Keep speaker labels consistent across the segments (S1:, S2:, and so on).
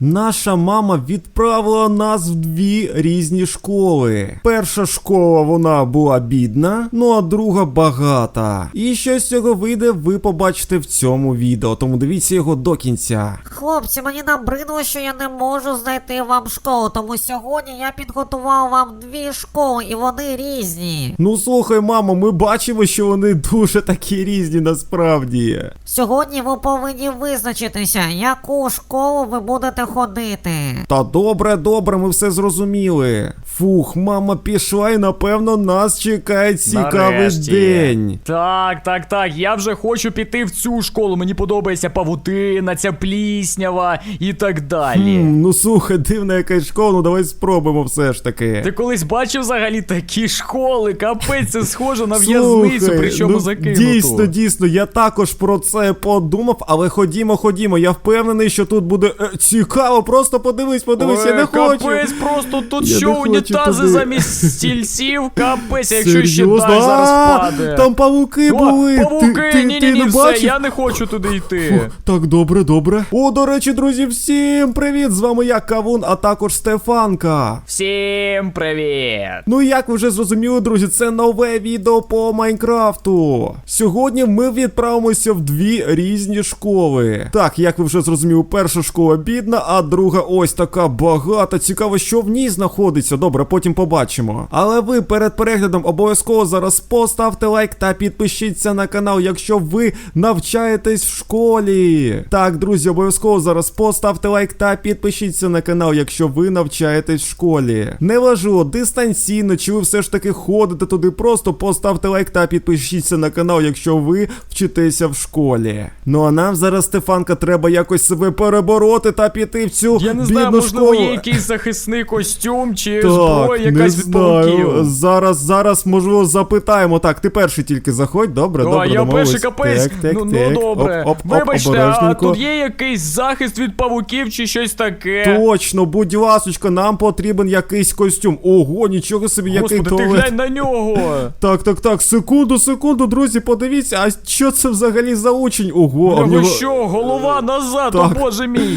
S1: Наша мама відправила нас в дві різні школи. Перша школа, вона була бідна, ну а друга багата. І що з цього вийде, ви побачите в цьому відео, тому дивіться його до кінця.
S2: Хлопці, мені набридло, що я не можу знайти вам школу, тому сьогодні я підготував вам дві школи, і вони різні.
S1: Ну слухай, мамо, ми бачимо, що вони дуже такі різні насправді.
S2: Сьогодні ви повинні визначитися, яку школу ви будете ходити.
S1: Та добре, ми все зрозуміли. Фух, мама пішла і напевно нас чекає цікавий
S3: Нарешті.
S1: день.
S3: Так, я вже хочу піти в цю школу, мені подобається павутина, ця пліснява і так далі.
S1: Ну слухай, дивна якась школа, ну давай спробуємо все ж таки.
S3: Ти колись бачив взагалі такі школи? Капець, це схоже на в'язницю,
S1: Слухай,
S3: причому
S1: ну,
S3: закинуту.
S1: Дійсно, я також про це подумав, але ходімо, я впевнений, що тут буде цікаво, просто подивись, я не хочу.
S3: Капець, просто тут
S1: Я
S3: що,
S1: не хочу
S3: унітази
S1: туди.
S3: замість стільців? Капець, якщо ще
S1: Серйозно?
S3: дах зараз падає.
S1: Там павуки були.
S3: Павуки,
S1: Ти
S3: ні,
S1: не
S3: все,
S1: бачив?
S3: я не хочу туди йти.
S1: Так, добре. О, до речі, друзі, всім привіт! З вами я, Кавун, а також Стефанка.
S3: Всім привіт!
S1: Ну і як ви вже зрозуміли, друзі, це нове відео по Майнкрафту. Сьогодні ми відправимося в дві різні школи. Так, як ви вже зрозуміли, перша школа бідна, а друга ось така багата. Цікаво, що в ній знаходиться. Добре, потім побачимо. Але ви перед переглядом обов'язково зараз поставте лайк та підпишіться на канал, якщо ви навчаєтесь в школі. Так, друзі, обов'язково зараз поставте лайк та підпишіться на канал, якщо ви навчаєтесь в школі. Неважливо, дистанційно, чи ви все ж таки ходите туди, просто поставте лайк та підпишіться на канал, якщо ви вчитеся в школі. Ну а нам зараз, Стефанка, треба якось себе перебороти та піти в цю
S3: Я не
S1: бідну
S3: знаю, можливо,
S1: школу.
S3: є якийсь захисний костюм чи
S1: Так,
S3: зброя
S1: не
S3: якась від павуків.
S1: знаю. Зараз, можливо, запитаємо. Так, ти перший тільки заходь, добре,
S3: А, я
S1: домовились.
S3: перший капець.
S1: Так,
S3: Ну добре.
S1: Оп,
S3: Вибачте, а
S1: обережненько.
S3: тут є якийсь захист від павуків чи щось таке?
S1: Точно, будь ласочка, нам потрібен якийсь костюм. Ого, нічого собі,
S3: Господи,
S1: який
S3: ти
S1: туалет.
S3: глянь на нього.
S1: Так, секунду, друзі, подивіться, а що це взагалі за учень? Ого, а в
S3: Ви
S1: нього...
S3: що, голова назад,
S1: Так.
S3: о боже мій.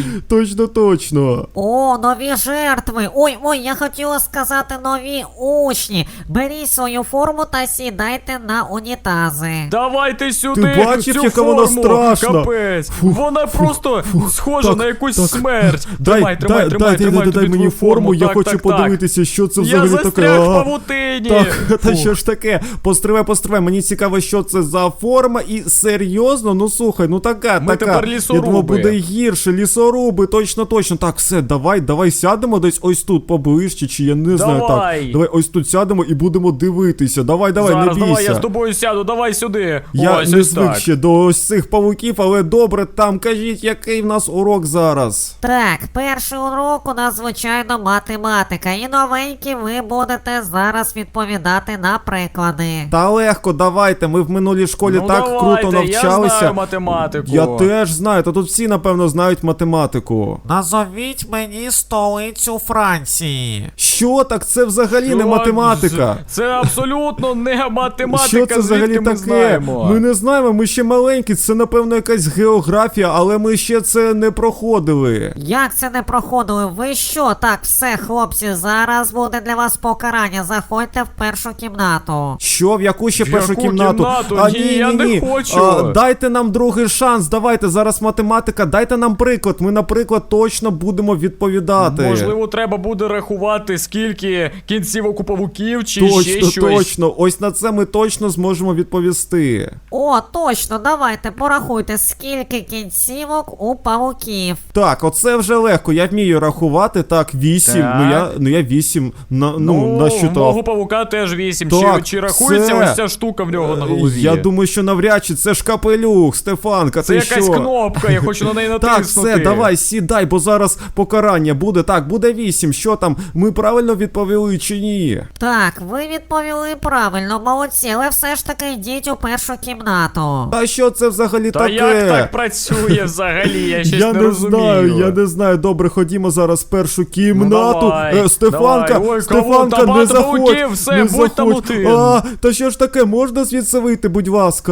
S1: Точно.
S2: О, нові жертви. Ой, я хотіла сказати нові учні. Беріть свою форму та сідайте на унітази.
S3: Давайте сюди
S1: Ти бачив,
S3: цю
S1: яка
S3: форму.
S1: вона страшна?
S3: Капець. Вона просто схожа
S1: Так,
S3: на якусь
S1: так.
S3: смерть.
S1: Дай
S3: Тримай
S1: мені форму, я хочу
S3: Так.
S1: подивитися, що це
S3: Я
S1: взагалі таке.
S3: застряг в павутині.
S1: Так, та
S3: Фу.
S1: що ж таке? Постривай, мені цікаво, що це за форма, і серйозно, ну слухай, ну така.
S3: Ми тепер
S1: Я
S3: лісоруби.
S1: думав, буде гірше, лісоруби, точно. Так, все, давай сядемо десь ось тут поближче, чи я не знаю, так. Давай ось тут сядемо і будемо дивитися, давай,
S3: Зараз,
S1: не бійся.
S3: давай, я з тобою сяду, давай сюди.
S1: Я
S3: Ось,
S1: не
S3: ось
S1: звик
S3: так.
S1: ще до ось цих павуків, але добре, там кажіть, який в нас урок зараз.
S2: Так, перший урок у нас, звичайно, математика. І новенькі ви будете зараз відповідати на приклади.
S1: Та легко, давайте, ми в минулій школі
S3: Ну,
S1: так
S3: давайте,
S1: круто навчалися.
S3: Я знаю математику.
S1: Я теж знаю, та тут всі, напевно, знають математику.
S2: Назовіть мені столицю Франції.
S1: Що так? Це взагалі не математика.
S3: Це абсолютно не математика,
S1: Що це взагалі
S3: звідки ми
S1: таке?
S3: знаємо?
S1: Ми не знаємо, ми ще маленькі, це напевно якась географія, але ми ще це не проходили.
S2: Як це не проходили? Ви що? Так, все, хлопці, зараз буде для вас покарання. Заходьте в першу кімнату.
S1: Що, в яку ще
S3: В
S1: першу
S3: яку
S1: кімнату?
S3: кімнату? Ні, я не хочу.
S1: Дайте нам другий шанс, давайте, зараз математика, дайте нам приклад, ми, наприклад, точно будемо відповідати.
S3: Можливо, треба буде рахувати, скільки кінцівок у павуків чи ще щось.
S1: Точно, ось на це ми точно зможемо відповісти.
S2: О, точно, давайте, порахуйте, скільки кінцівок у павуків.
S1: Так, оце вже легко, я вмію рахувати, так, 8,
S3: Так.
S1: ну я 8
S3: Ну,
S1: насчитав.
S3: мого павука теж 8.
S1: Так,
S3: Чи рахується
S1: це-
S3: ось ця штука в нього на голові?
S1: Я думаю, що навряд чи це ж капелюх, Стефанка,
S3: Це
S1: ти
S3: якась
S1: що?
S3: кнопка, я хочу на неї натиснути.
S1: Так, все, давай, сідай, бо зараз покарання буде. Так, буде 8, що там, ми правильно відповіли чи ні?
S2: Так, ви відповіли правильно, молодці, але все ж таки йдіть у першу кімнату.
S1: А що це взагалі
S3: Та
S1: таке?
S3: як так працює взагалі? Я щось
S1: Я
S3: не
S1: не
S3: розумію.
S1: знаю, я не знаю. Добре, ходімо зараз в першу кімнату.
S3: Ну, давай,
S1: Стефанка,
S3: давай. Ой,
S1: Стефанка,
S3: кого?
S1: не
S3: Та
S1: заходь.
S3: павуків, все,
S1: не
S3: будь там
S1: заходь.
S3: один.
S1: Та що ж таке, можна звідси вийти, будь ласка?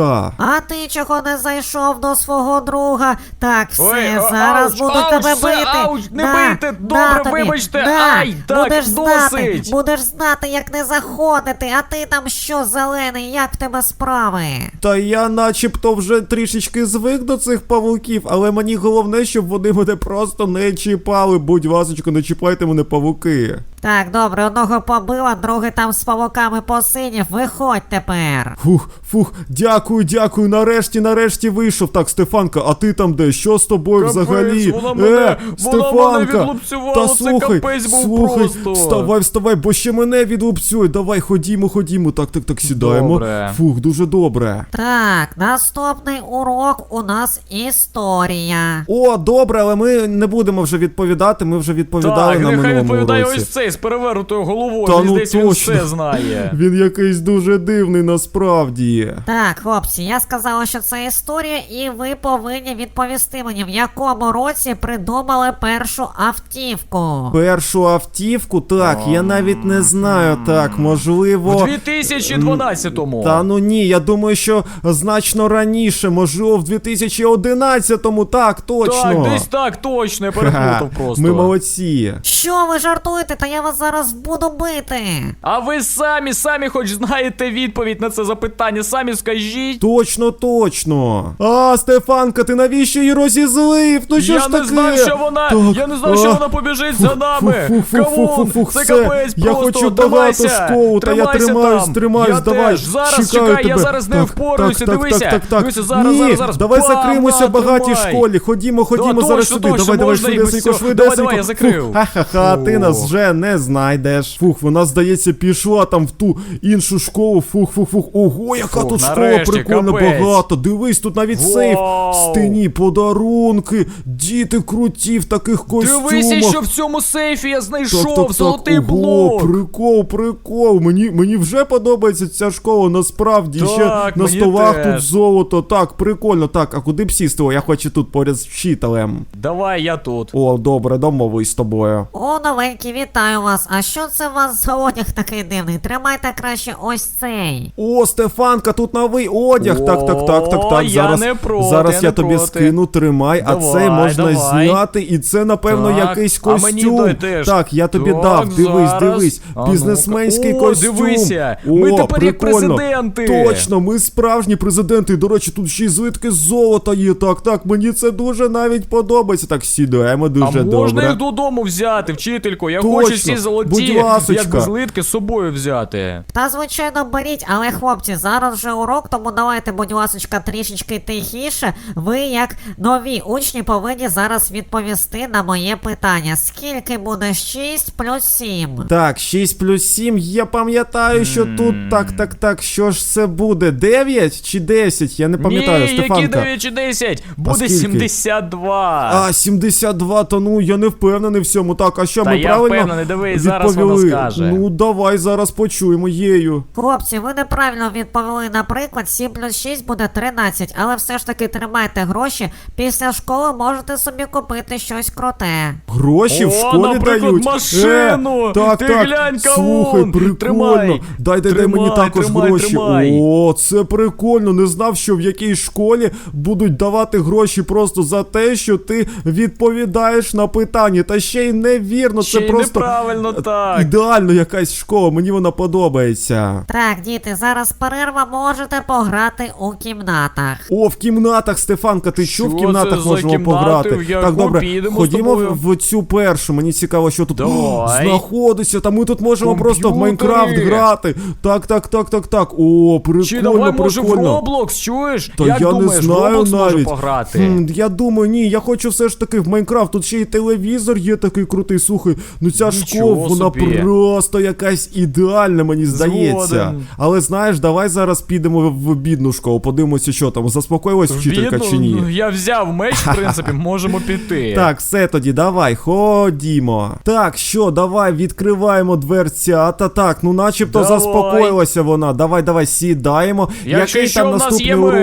S2: А ти чого не зайшов до свого друга? Так, все,
S3: Ой,
S2: зараз
S3: ауч,
S2: буду
S3: ауч,
S2: тебе
S3: все,
S2: бити.
S3: ауч, не бийте, добре,
S2: тобі,
S3: вибачте,
S2: да.
S3: ай, так, досить.
S2: Будеш знати, як не заходити, а ти там що, зелений, як в тебе справи?
S1: Та я начебто вже трішечки звик до цих павуків, але мені головне, щоб вони мене просто не чіпали. Будь ласочка, не чіпайте мене, павуки.
S2: Так, добре, одного побила, другий там з павуками посидів, виходь тепер.
S1: Фух, дякую, нарешті вийшов. Так, Стефанка, а ти там де? Що з тобою
S3: Капець,
S1: взагалі?
S3: вона мене
S1: Стефанка,
S3: відлупцювала,
S1: та
S3: це
S1: слухай,
S3: капець був просто.
S1: вставай, бо ще мене відлупцюй. Давай, ходімо. Так, сідаємо.
S3: Добре.
S1: Фух, дуже добре.
S2: Так, наступний урок у нас історія.
S1: О, добре, але ми не будемо вже відповідати, ми вже відповідали
S3: Так,
S1: на
S3: нехай
S1: минулому
S3: відповідає
S1: уроці.
S3: ось цей з перевернутою головою,
S1: Та
S3: мені
S1: ну
S3: здається, він
S1: точно.
S3: все знає.
S1: Він якийсь дуже дивний насправді.
S2: Так, хлопці, я сказала, що це історія, і ви повинні відповісти мені, в якому році придумали першу автівку.
S1: Першу автівку, так, я навіть не знаю, так, можливо...
S3: В 2012-му.
S1: Та ну ні, я думаю, що значно раніше, можливо, в 2011-му, так, точно.
S3: Так, десь так, точно, я переплутав просто.
S1: Ми молодці.
S2: Що ви жартуєте? Та я вас зараз буду бити.
S3: А ви самі хоч знаєте відповідь на це запитання, самі скажіть.
S1: Точно. А, Стефанка, ти навіщо її розізлив? Ну що
S3: Я
S1: ж
S3: не
S1: таке?
S3: знав, що вона,
S1: Так,
S3: я не знав, що вона побіжить за нами. Камон, це
S1: все.
S3: капець
S1: Я
S3: просто,
S1: хочу багато
S3: тримайся,
S1: школу, та я
S3: тримайся
S1: тримаюсь,
S3: там. Я
S1: давай.
S3: теж. Зараз,
S1: чекаю
S3: чекай, я
S1: тебе.
S3: зараз з нею впораюся, дивися. Дивися,
S1: Ні,
S3: зараз.
S1: давай
S3: Бам,
S1: закриємося
S3: на,
S1: в багатій
S3: тримай.
S1: школі. Ходімо
S3: Да,
S1: зараз
S3: точно,
S1: сюди.
S3: точно,
S1: Давай,
S3: можна і
S1: швидесенько,
S3: без цього.
S1: швидесенько.
S3: Давай, я закрив.
S1: Ха-ха-ха, ти нас
S3: Фу.
S1: вже не знайдеш. Фух, вона, здається, пішла там в ту іншу школу. Фух. Ого, яка
S3: Фух,
S1: тут школа
S3: нарешті,
S1: прикольна,
S3: капець.
S1: багато. Дивись, тут навіть сейф.
S3: Вау.
S1: В стіні подарунки. Діти круті в таких костюмах.
S3: Дивися, що в цьому сейфі я знайшов,
S1: Так.
S3: золотий
S1: Ого,
S3: блок.
S1: прикол. Мені вже подобається ця школа, насправді.
S3: Так,
S1: Ще на
S3: мені
S1: столах
S3: теж.
S1: тут золото. Так, прикольно. Так, а куди б сісти? О, я хочу тут поряд з вчителем.
S3: Давай, я тут.
S1: О, добре, домовись з тобою.
S2: О, новенькі, вітаю вас. А що це у вас за одяг такий дивний? Тримайте краще ось цей.
S1: О, Стефанка, тут новий одяг. Так.
S3: Я не проти,
S1: зараз
S3: я
S1: я
S3: не
S1: тобі
S3: проти.
S1: скину, тримай, а
S3: Давай,
S1: цей можна
S3: давай.
S1: зняти, і це, напевно,
S3: Так,
S1: якийсь
S3: а мені
S1: костюм.
S3: дай теж.
S1: Так, я тобі
S3: Так,
S1: дав.
S3: зараз.
S1: Дивись.
S3: А
S1: Бізнесменський
S3: ну-ка. О,
S1: костюм.
S3: дивися, ми тепер як
S1: прикольно.
S3: президенти.
S1: Точно, ми справжні президенти. І, до речі, тут ще й злитки золота є. Так, мені це дуже навіть подобається. Так, сідаємо дуже
S3: А
S1: добре.
S3: можна їх додому взяти, вчителько? Я
S1: Точно,
S3: хочу всі золоті,
S1: будь ласочка.
S3: як злитки з собою взяти.
S2: Та звичайно беріть, але хлопці, зараз вже урок, тому давайте, будь ласочка, трішечки тихіше. Ви, як нові учні, повинні зараз відповісти на моє питання. Скільки буде 6 плюс 7?
S1: Так, 6 плюс 7, я пам'ятаю, що тут так, що ж це буде? 9 чи 10? Я не пам'ятаю,
S3: Ні,
S1: Стефанка.
S3: які 9 чи 10? Буде
S1: скільки?
S3: 72.
S1: А, 72, то ну, я не впевнений в цьому. Так, а що,
S3: Та
S1: ми
S3: я
S1: правильно
S3: впевнений, дивись, зараз вона
S1: відповіли?
S3: скаже.
S1: Ну, давай зараз почуємо єю.
S2: Хлопці, ви неправильно відповіли. Наприклад, 7 плюс 6 буде 13, але все ж таки тримайте гроші. Після школи можете собі купити щось круте.
S1: Гроші в
S3: О,
S1: школі
S3: наприклад,
S1: дають.
S3: машину!
S1: Так,
S3: Ти
S1: так.
S3: глянь,
S1: Слухай,
S3: кавун!
S1: прикольно.
S3: Тримай.
S1: Дай мені
S3: Тримай,
S1: також
S3: тримай,
S1: гроші.
S3: тримай.
S1: О, це прикольно. Не знав, що в якійсь школі будуть давати гроші просто за те, що ти відповідаєш на питання. Та ще й невірно,
S3: Ще
S1: це
S3: й
S1: просто
S3: неправильно так.
S1: ідеально якась школа. Мені вона подобається.
S2: Так, діти, зараз перерва, можете пограти у кімнатах.
S1: О, в кімнатах, Стефанка, ти чув? В
S3: Що
S1: кімнатах
S3: це за
S1: можемо
S3: кімнати?
S1: пограти.
S3: В яку
S1: Так, добре,
S3: підемо з
S1: ходімо
S3: тобою?
S1: в цю першу. Мені цікаво, що тут
S3: Давай.
S1: знаходиться. Та ми тут можемо просто в
S3: Комп'ютери.
S1: Майнкрафт грати. Так. О, прикольно,
S3: Чи давай, може, в
S1: прикольно.
S3: Roblox, чуєш?
S1: Та
S3: Як
S1: я
S3: думаєш,
S1: не знаю
S3: в Roblox може
S1: навіть.
S3: пограти?
S1: Я думаю, ні, я хочу все ж таки в Майнкрафт. Тут ще й телевізор є такий крутий. Слухай, ну ця
S3: Нічого
S1: школа, вона
S3: собі.
S1: просто якась ідеальна, мені здається.
S3: Згоден.
S1: Але знаєш, давай зараз підемо в бідну школу, подивимося, що там, заспокоїлась вчителька
S3: Бідно,
S1: чи ні.
S3: ну, я взяв меч, в принципі, можемо піти.
S1: Так, все тоді, давай, ходімо. Так, що, давай, відкриваємо дверцята. Так, ну начебто
S3: Давай.
S1: заспокоїлася вона. Давай, сідаємо.
S3: Якщо
S1: Який
S3: що,
S1: там
S3: в нас
S1: наступний
S3: є
S1: урок?
S3: меч.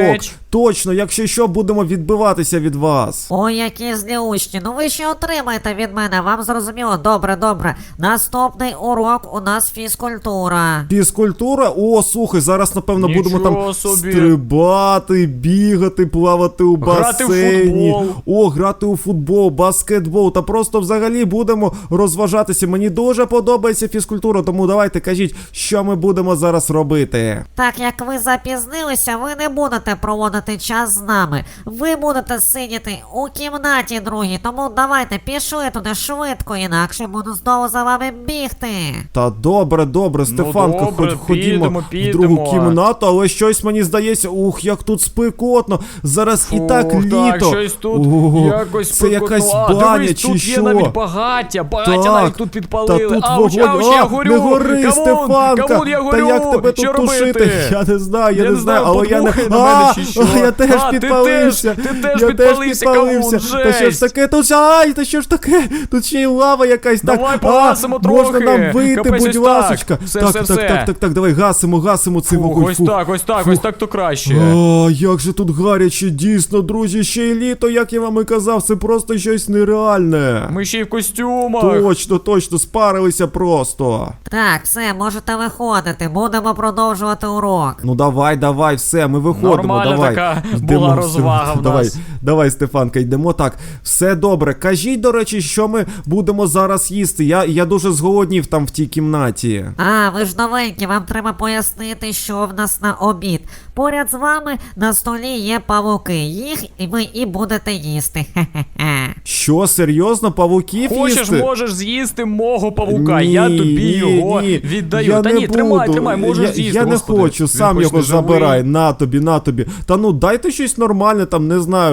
S1: Точно, якщо що, будемо відбиватися від вас.
S2: Ой, які злі учні, ну ви ще отримаєте від мене, вам зрозуміло? Добре, добре. Наступний урок у нас фізкультура.
S1: Фізкультура? О, слухай, зараз, напевно, будемо там
S3: Нічого собі.
S1: стрибати, бігати, плавати у
S3: Грати в
S1: басейні.
S3: футбол.
S1: О, грати у футбол, баскетбол. Та просто взагалі будемо розважатися. Мені дуже подобається фізкультура, тому давайте кажіть, що ми будемо зараз робити.
S2: Так як ви запізнилися, ви не будете проводити час з нами. Ви будете сидіти у кімнаті другій, тому давайте пішли туди швидко, інакше буду знову за вами бігти.
S1: Та добре, добре, Стефанка,
S3: добре,
S1: ходімо в другу кімнату, але щось мені здається, ух, як тут спекотно. Зараз і так
S3: Фух,
S1: літо.
S3: Так, щось тут
S1: Ого,
S3: якось
S1: це якась
S3: спекотно.
S1: баня
S3: Дивись,
S1: чи
S3: тут
S1: що?
S3: є навіть багаття. Багаття
S1: Так,
S3: навіть тут підпалили.
S1: Та тут
S3: Ауч,
S1: вогонь.
S3: ауч, я горю.
S1: Не гори,
S3: Камон,
S1: Стефанка.
S3: камон, я горю.
S1: Та як тебе
S3: Що
S1: тут
S3: робити?
S1: тушити? Я не знаю,
S3: Я не знаю,
S1: але я не...
S3: подмухай на мене чи що.
S1: Я теж
S3: А, ти
S1: підпалився.
S3: теж- ти теж
S1: Я
S3: підпалився, камон,
S1: Та що ж
S3: жесть.
S1: таке? Тут, ай, та що ж таке? Тут ще й лава якась.
S3: Давай
S1: Так,
S3: погасимо
S1: можна
S3: трохи.
S1: нам вийти,
S3: Капець,
S1: будь
S3: ось
S1: ласочка.
S3: так. Все,
S1: Так,
S3: все,
S1: так,
S3: все.
S1: так, так, так, давай гасимо цей
S3: Фух,
S1: вогонь.
S3: ось
S1: Фух.
S3: так, ось так, ось так то краще.
S1: А, як же тут гаряче, дійсно, друзі, ще й літо, як я вам і казав, це просто щось нереальне.
S3: Ми ще й в костюмах.
S1: Точно, спарилися просто.
S2: Так, все, можете виходити, будемо продовжувати урок.
S1: Ну давай, все, ми виходимо,
S3: Нормальна
S1: давай.
S3: така
S1: Йдемо,
S3: була розвага в
S1: давай,
S3: нас.
S1: Давай, Стефанка, йдемо так. Все добре. Кажіть, до речі, що ми будемо зараз їсти. Я дуже зголоднів там в тій кімнаті.
S2: А, ви ж новенькі, вам треба пояснити, що в нас на обід. Поряд з вами на столі є павуки, їх і ви і будете їсти. Хе-хе-хе.
S1: Що, серйозно, павуків
S3: Хочеш,
S1: їсти?
S3: можеш з'їсти мого павука,
S1: Ні,
S3: я тобі його
S1: ні,
S3: віддаю.
S1: я
S3: Та
S1: не
S3: ні, тримай,
S1: буду.
S3: можеш з'їсти.
S1: Я не
S3: господи.
S1: хочу,
S3: Він
S1: сам
S3: хоч
S1: його
S3: не живий.
S1: забирай. На тобі. Та ну дайте щось нормальне, там не знаю.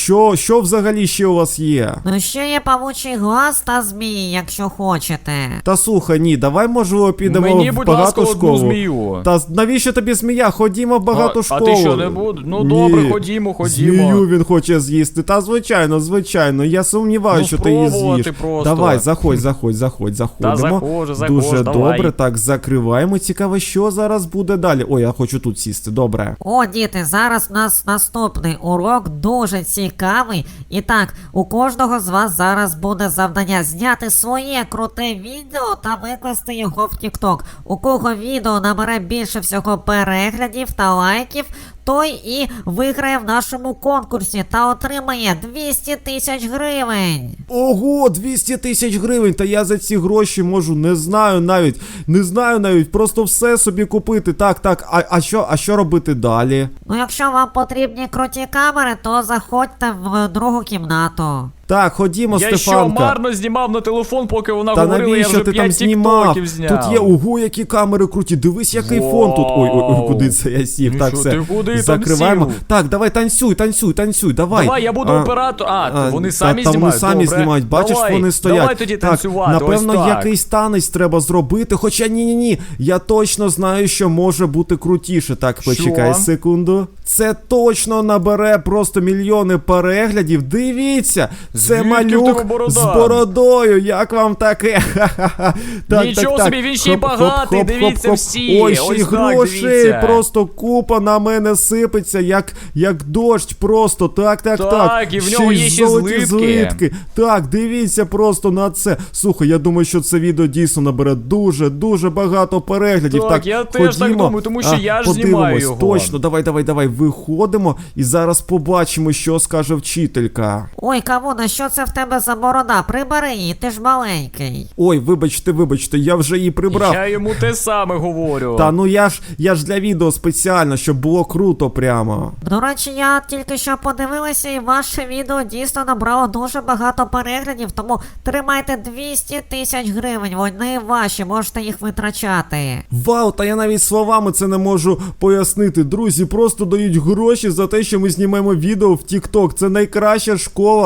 S1: Що взагалі ще у вас є?
S2: Ну ще є павучий глаз та змії, якщо хочете.
S1: Та слухай, ні, давай можливо підемо
S3: Мені,
S1: в
S3: будь ласка,
S1: багату
S3: одну
S1: школу.
S3: змію.
S1: Та навіщо тобі змія? Ходімо в багату
S3: А
S1: школу.
S3: ти що, не будеш? Ну,
S1: Ні.
S3: добре, ходімо.
S1: Змію він хоче з'їсти. Та звичайно. Я сумніваюся,
S3: Ну,
S1: що ти її
S3: спробувати
S1: з'їш.
S3: просто.
S1: Давай, заходь, заходимо.
S3: заходжу,
S1: Дуже
S3: давай.
S1: добре, так, закриваємо. Цікаво, що зараз буде далі. Ой, я хочу тут сісти, добре.
S2: О, діти, зараз у нас наступний урок дуже цікавий. І так, у кожного з вас зараз буде завдання зняти своє круте відео та викласти його в TikTok. У кого відео набере більше всього переглядів та лайків, той і виграє в нашому конкурсі та отримає 200 000 гривень.
S1: Ого, 200 000 гривень, та я за ці гроші можу, не знаю навіть, просто все собі купити. Так, а що робити далі?
S2: Ну, якщо вам потрібні круті камери, то заходьте в другу кімнату.
S1: Так, ходімо,
S3: Я що,
S1: Стефанка.
S3: марно знімав на телефон, поки вона
S1: Та
S3: говорила, я
S1: навіщо
S3: вже
S1: ти
S3: 5
S1: там знімав?
S3: тіктоків зняв.
S1: Тут є, ого, які камери круті. Дивись, який фон тут. Ой, куди це я сів?
S3: Ну
S1: Так,
S3: що,
S1: все.
S3: ти куди там
S1: Закриваємо.
S3: сів?
S1: Так, давай, танцюй, давай.
S3: Давай, я буду оператор. Вони самі
S1: та
S3: знімають,
S1: вони самі
S3: добре.
S1: знімають, бачиш,
S3: Давай,
S1: вони стоять.
S3: давай тоді
S1: так,
S3: танцювати,
S1: напевно,
S3: ось так.
S1: якийсь танець треба зробити, хоча ні, я точно знаю, що може бути крутіше. Так, почекай секунду. Це точно набере просто мільйони переглядів. Дивіться, це
S3: Звідки в
S1: малюк
S3: тебе борода?
S1: з бородою. Як вам таке? Так,
S3: Нічого
S1: так.
S3: собі, він ще й багатий, дивіться всі.
S1: Ой, ще й
S3: Ось так,
S1: грошей,
S3: дивіться.
S1: просто купа на мене сипеться, як дощ просто. Так.
S3: Так, і в нього
S1: й
S3: є ще
S1: золоті
S3: злитки.
S1: Так, дивіться просто на це. Слухай, я думаю, що це відео дійсно набере дуже багато переглядів.
S3: Так, я теж так думаю, тому що я ж знімаю
S1: подивимось.
S3: його.
S1: Точно, давай, виходимо і зараз побачимо, що скаже вчителька.
S2: Ой, Кавуна, що це в тебе за борода? Прибери її, ти ж маленький.
S1: Ой, вибачте, я вже її прибрав.
S3: Я йому те саме говорю.
S1: Та ну я ж для відео спеціально, щоб було круто прямо.
S2: До речі, я тільки що подивилася, і ваше відео дійсно набрало дуже багато переглядів, тому тримайте 200 000 гривень, вони ваші, можете їх витрачати.
S1: Вау, та я навіть словами це не можу пояснити. Друзі, просто дають гроші за те, що ми знімаємо відео в TikTok. Це найкраща школа у світі.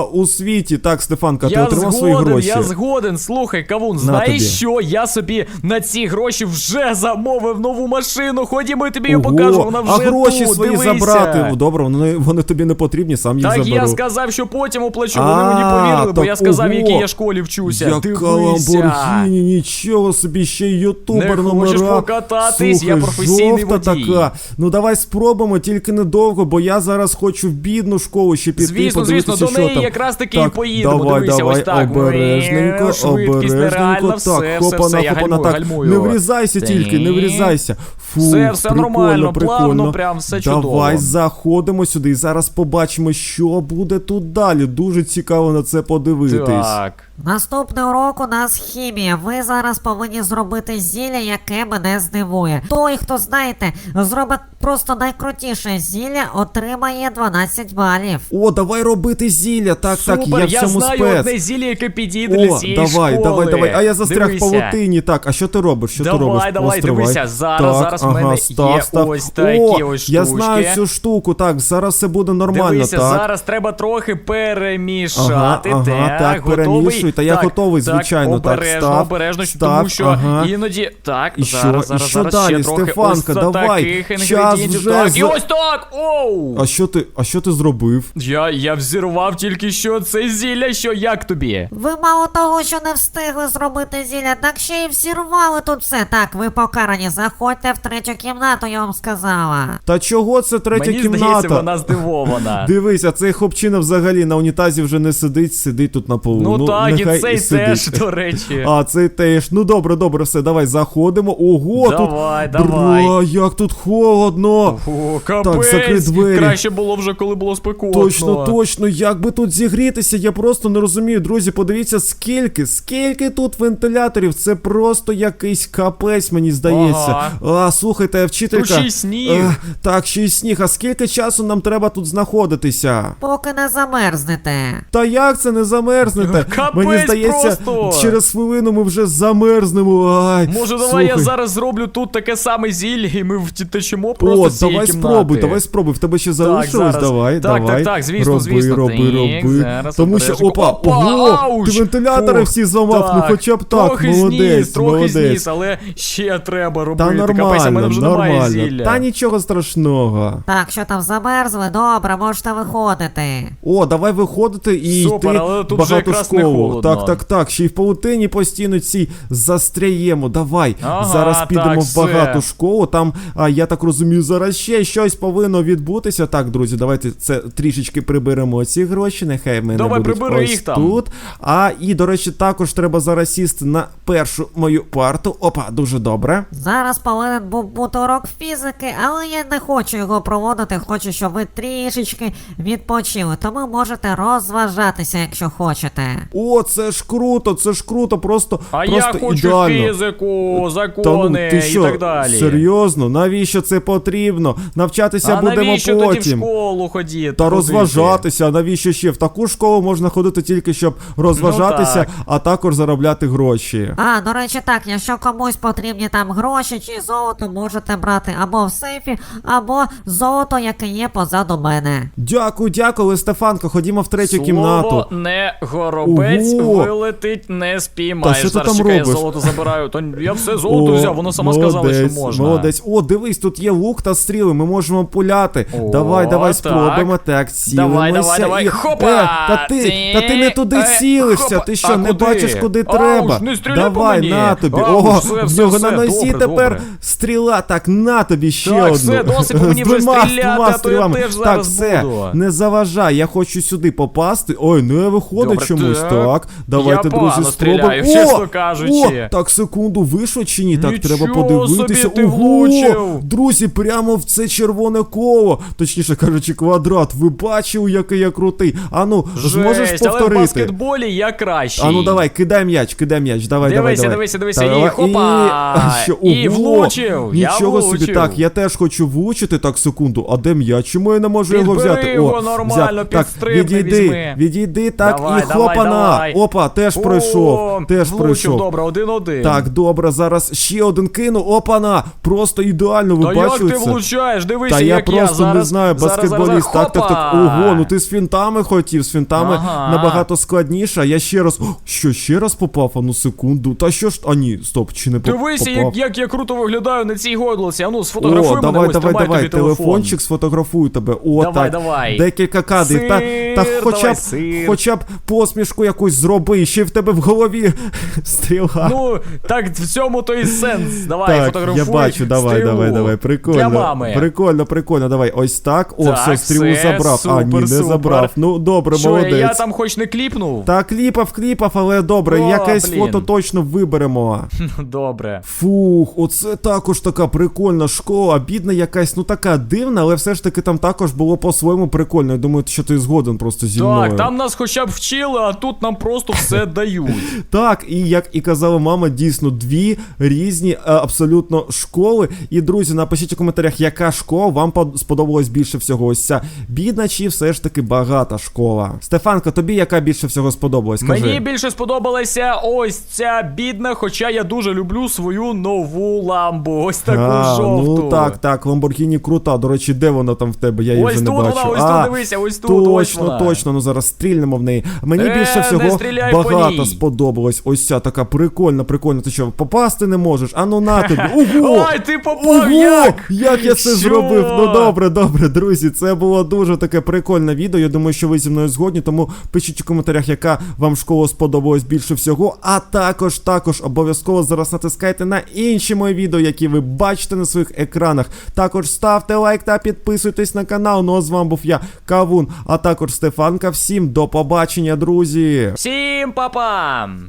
S1: світі. Так, Стефанка, ти
S3: Я
S1: отримав свої
S3: згоден,
S1: гроші.
S3: я згоден. Слухай, Кавун,
S1: На
S3: знаєш
S1: тобі.
S3: що? Я собі на ці гроші вже замовив нову машину. Ходімо, я тобі її
S1: Ого,
S3: покажу, вона вже
S1: а гроші
S3: тут,
S1: свої
S3: дивися.
S1: забрати. Добре, вони тобі не потрібні, сам їх
S3: Так
S1: заберу.
S3: я сказав, що потім оплачу, вони мені повірили, бо я сказав, в якій я школі вчуся.
S1: Яка
S3: Дивися.
S1: Ламборгіні, нічого собі, ще й ютубер
S3: Не
S1: номера.
S3: хочеш покататись? Я
S1: Слухай,
S3: професійний
S1: жовта
S3: водій.
S1: така. Ну давай спробуємо, тільки недовго, бо я зараз хочу в бідну школу ще піти,
S3: Звісно,
S1: подивитися,
S3: звісно, до
S1: що
S3: неї
S1: там.
S3: якраз таки
S1: Так,
S3: і поїдемо.
S1: давай,
S3: Дивися,
S1: давай,
S3: ось так.
S1: обережненько,
S3: Швидкість нереальна,
S1: так,
S3: все,
S1: хопана,
S3: я
S1: хопана, так,
S3: гальмую.
S1: не врізайся тільки, не
S3: Ні.
S1: врізайся. Фу,
S3: Все
S1: прикольно,
S3: нормально,
S1: прикольно.
S3: плавно, прям все чудово.
S1: Давай заходимо сюди і зараз побачимо, що буде тут далі. Дуже цікаво на це подивитись.
S3: Так.
S2: Наступний урок у нас хімія. Ви зараз повинні зробити зілля, яке мене здивує. Той, хто, знаєте, зробить просто найкрутіше зілля, отримає 12 балів.
S1: О, давай робити зілля. Так,
S3: Супер,
S1: так, я в цьому
S3: знаю
S1: спец.
S3: одне зілля, яке підійде для
S1: О,
S3: цієї
S1: давай,
S3: школи.
S1: давай. А я застряг в
S3: Дивися.
S1: павутині. Так, а що ти робиш? Що ти робиш?
S3: Давай,
S1: Постривай.
S3: дивися, зараз в мене є ось такі ось штучки.
S1: Я знаю цю штуку, так, зараз все буде нормально,
S3: Дивися,
S1: так.
S3: зараз треба трохи перемішати.
S1: Так,
S3: готовий?
S1: перемішуй, та я
S3: Так,
S1: готовий, звичайно, так,
S3: обережно,
S1: став,
S3: обережно,
S1: став,
S3: тому що
S1: ага.
S3: іноді, так,
S1: І
S3: зараз,
S1: що? І що
S3: зараз
S1: далі,
S3: ще трохи
S1: Стефанка,
S3: ось
S1: давай,
S3: таких
S1: час
S3: інгредієнтів,
S1: вже
S3: так, і
S1: за-
S3: ось так, оу!
S1: А що ти зробив?
S3: Я взірвав тільки що це зілля, що як тобі?
S2: Ви мало того, що не встигли зробити зілля, так ще й всірвали тут все. Так, ви покарані, заходьте в третю кімнату, я вам сказала.
S1: Та чого це третя
S3: Мені
S1: кімната?
S3: здається, вона здивована.
S1: Дивися, цей хлопчина взагалі на унітазі вже не сидить тут на полу.
S3: Ну так,
S1: нехай
S3: і цей
S1: сидить.
S3: теж, до речі.
S1: А, цей теж. Ну добре, все, давай заходимо. Ого,
S3: Давай,
S1: тут.
S3: давай.
S1: Бра, як тут холодно.
S3: О,
S1: Так,
S3: капець,
S1: закрий двері.
S3: краще було вже, коли було спекотно.
S1: Точно, як би тут зігрітися, я просто не розумію. Друзі, подивіться, скільки тут вентиляторів. Це просто якийсь капець, мені здається.
S3: Ага.
S1: Слухайте, вчителька.
S3: Тут ще й сніг.
S1: Так, ще й сніг. А скільки часу нам треба тут знаходитися?
S2: Поки не замерзнете.
S1: Та як це не замерзнете?
S3: Капець
S1: Мені здається,
S3: просто.
S1: через хвилину ми вже замерзнемо. Ай,
S3: Може, давай
S1: слухай.
S3: я зараз зроблю тут таке саме зілля, і ми втечемо просто
S1: О,
S3: з цієї
S1: давай
S3: кімнати.
S1: спробуй. В тебе ще залишилось?
S3: зараз.
S1: Давай,
S3: Так,
S1: давай.
S3: так, звісно,
S1: роби,
S3: звісно.
S1: Роби.
S3: Так, зараз
S1: Тому що,
S3: обережно.
S1: опа, ого,
S3: ауч!
S1: ти вентилятори
S3: Фух,
S1: всі зламав, ну хоча б так,
S3: трохи
S1: молодець,
S3: трохи
S1: молодець.
S3: зніс, але ще треба робити.
S1: Та
S3: Капець, а в мене вже немає
S1: нормально.
S3: зілля.
S1: Та нічого страшного.
S2: Так, що там замерзли? Добре, можете виходити.
S1: О, давай виходити і
S3: Супер,
S1: йти
S3: але тут
S1: в
S3: вже
S1: багату
S3: якраз не
S1: школу.
S3: холодно.
S1: Так, ще й в паутині постійно цій застряємо. Давай,
S3: Ага,
S1: зараз підемо
S3: так,
S1: в багату
S3: все.
S1: школу. Там, я так розумію, зараз ще щось повинно відбутися. Так, друзі, давайте це трішечки приберемо ці гроші. Нехай в мене
S3: Давай,
S1: будуть
S3: прибери
S1: ось
S3: їх там.
S1: тут. І, до речі, також треба зараз сісти на першу мою парту. Опа, дуже добре.
S2: Зараз повинен був бути урок фізики, але я не хочу його проводити, хочу, щоб ви трішечки відпочили, тому можете розважатися, якщо хочете.
S1: О, це ж круто, просто,
S3: А
S1: просто
S3: я хочу
S1: ідеально.
S3: фізику,
S1: Та
S3: закони
S1: ти що,
S3: і так далі.
S1: серйозно? Навіщо це потрібно? Навчатися
S3: А
S1: будемо
S3: навіщо тоді в
S1: потім.
S3: школу ходити?
S1: Та розважатися, а навіщо ще? В таку школу можна ходити тільки, щоб розважатися,
S3: так.
S1: а також заробляти гроші.
S2: А, до речі, так, якщо комусь потрібні там гроші чи золото, можете брати або в сейфі, або золото, яке є позаду мене.
S1: Дякую, але Стефанко, ходімо в третю кімнату.
S3: Слово не горобець,
S1: Ого.
S3: вилетить, не спіймаєш.
S1: Та що ти
S3: Зараз
S1: там
S3: чекай, я
S1: робиш?
S3: золото забираю. То я все золото взяв, вона сама сказала, що можна.
S1: Молодець. О, дивись, тут є лук та стріли, ми можемо пуляти.
S3: О,
S1: давай,
S3: так.
S1: спробуємо. Так, цілимося.
S3: Давай.
S1: І...
S3: Хопа!
S1: Та ти не туди цілишся,
S3: Хопа!
S1: ти що,
S3: А
S1: не
S3: куди?
S1: бачиш, куди
S3: Ауч,
S1: треба?
S3: не стріляй по
S1: Давай,
S3: мені.
S1: на тобі.
S3: Ауч,
S1: Ого,
S3: все,
S1: в нього на
S3: добре,
S1: носі тепер
S3: добре.
S1: стріла. Так, на тобі ще
S3: Так,
S1: одну.
S3: все, досить по мені вже
S1: З двома
S3: стріляти, а то я
S1: стрілами.
S3: теж
S1: Так,
S3: зараз
S1: все,
S3: буду.
S1: не заважай, я хочу сюди попасти. Ой, не виходить
S3: Добре,
S1: чомусь.
S3: так.
S1: Так, давайте,
S3: Я
S1: друзі,
S3: погано
S1: спробуємо.
S3: стріляю, чесно кажучи.
S1: Так, секунду, вийшло чи ні? Так,
S3: Нічого
S1: треба подивитися.
S3: собі ти
S1: Ого,
S3: влучив.
S1: друзі, прямо в це червоне коло. Точніше кажучи, квадрат. Ви бачили, який я крутий? Ану, зможеш
S3: Жесть, але в
S1: повторити?
S3: баскетболі я кращий.
S1: Ану, давай, кидай м'яч. Давай,
S3: Дивися,
S1: давай.
S3: і хопа!
S1: Що,
S3: І
S1: ого,
S3: влучив, я
S1: Нічого собі,
S3: влучив.
S1: так, я теж хочу влучити, так, секунду. А де м'яч? Чому я не можу його
S3: Підбери
S1: взяти?
S3: його нормально,
S1: так,
S3: підстрибни, візьми.
S1: відійди, так,
S3: Давай,
S1: і хлопана.
S3: давай.
S1: Опа, теж пройшов. Теж
S3: влучив,
S1: пройшов.
S3: добре, 1-1.
S1: Так, добре, зараз ще один кину. Опана! Просто ідеально, ви
S3: Та
S1: бачили
S3: як ти
S1: це?
S3: влучаєш? Дивися,
S1: Та я
S3: як
S1: просто
S3: зараз,
S1: не знаю, баскетболіст. Так.
S3: Хопа!
S1: Ого, ну ти з фінтами хотів, з фінтами
S3: Ага.
S1: набагато складніше. А я ще раз. О, що, ще раз попав? А ну секунду. Та що ж. А ні, стоп, чи не
S3: Дивися,
S1: попав?
S3: як я круто виглядаю на цій годлоці. А ну, сфотографуй
S1: О,
S3: мене,
S1: давай,
S3: ось,
S1: давай,
S3: тримай
S1: давай,
S3: тобі телефон.
S1: телефончик сфотографую тебе. О,
S3: Давай,
S1: так.
S3: давай.
S1: Декілька кадрів. Та
S3: Сир,
S1: хоча
S3: давай,
S1: б,
S3: сир.
S1: хоча б посмішку якусь зроби, ще й в тебе в голові стріла.
S3: Ну, так в цьому то і сенс. Давай,
S1: Так,
S3: фотографуй.
S1: я бачу, давай,
S3: стрілу.
S1: давай, прикольно.
S3: Для мами.
S1: Прикольно, давай, ось так. О,
S3: Так,
S1: все, стрілу
S3: все,
S1: забрав. А, ні,
S3: супер,
S1: не
S3: супер.
S1: забрав. Ну, добре,
S3: Що,
S1: молодець.
S3: я там хоч не кліпнув?
S1: Та кліпав, але добре,
S3: О,
S1: якесь
S3: блін.
S1: фото точно виберемо.
S3: Добре.
S1: Фух, оце також така прикольна школа, бідна якась, ну така дивна, але все ж таки там також було по-своєму прикольно. Я думаю, що ти згоден просто зі мною.
S3: Так, там нас хоча б вчили, а тут нам просто все дають.
S1: Так, і як і казала мама, дійсно дві різні абсолютно школи. І, друзі, напишіть у коментарях, яка школа вам сподобалась більше всього. Ось ця бідна чи все ж таки багата школа. Стефанко, тобі яка більше всього сподобалась? Скажи.
S3: Мені більше сподобалася ось ця бідна, хоча я дуже люблю свою нову ламбу. Ось таку жовту.
S1: Ну так, Lamborghini крута. До речі, де вона там в тебе? Я її
S3: Ось
S1: вже не
S3: тут
S1: бачу.
S3: вона, ось тут дивися, ось тут, ось вона.
S1: Точно, ну зараз стрільнемо в неї. Мені більше
S3: не
S1: всього
S3: стріляй по
S1: багато
S3: ній.
S1: сподобалось. Ось ця така прикольна. Ти що, попасти не можеш? А ну на тобі. Ого!
S3: Ой, ти попав,
S1: Ого!
S3: як?
S1: Як я це
S3: Що?
S1: зробив? Ну добре, друзі, це було дуже таке прикольне відео. Я думаю, що ви зі мною згодні, тому пишіть у коментарях, яка вам школа сподобалась більше всього. А також обов'язково зараз натискайте на інші мої відео, які ви бачите на своїх екранах. Також ставте лайк та підписуйтесь на канал. Ну а з вами був я, Кавун, а також Стефанка. Всім до побачення, друзі!
S3: Всім па-па!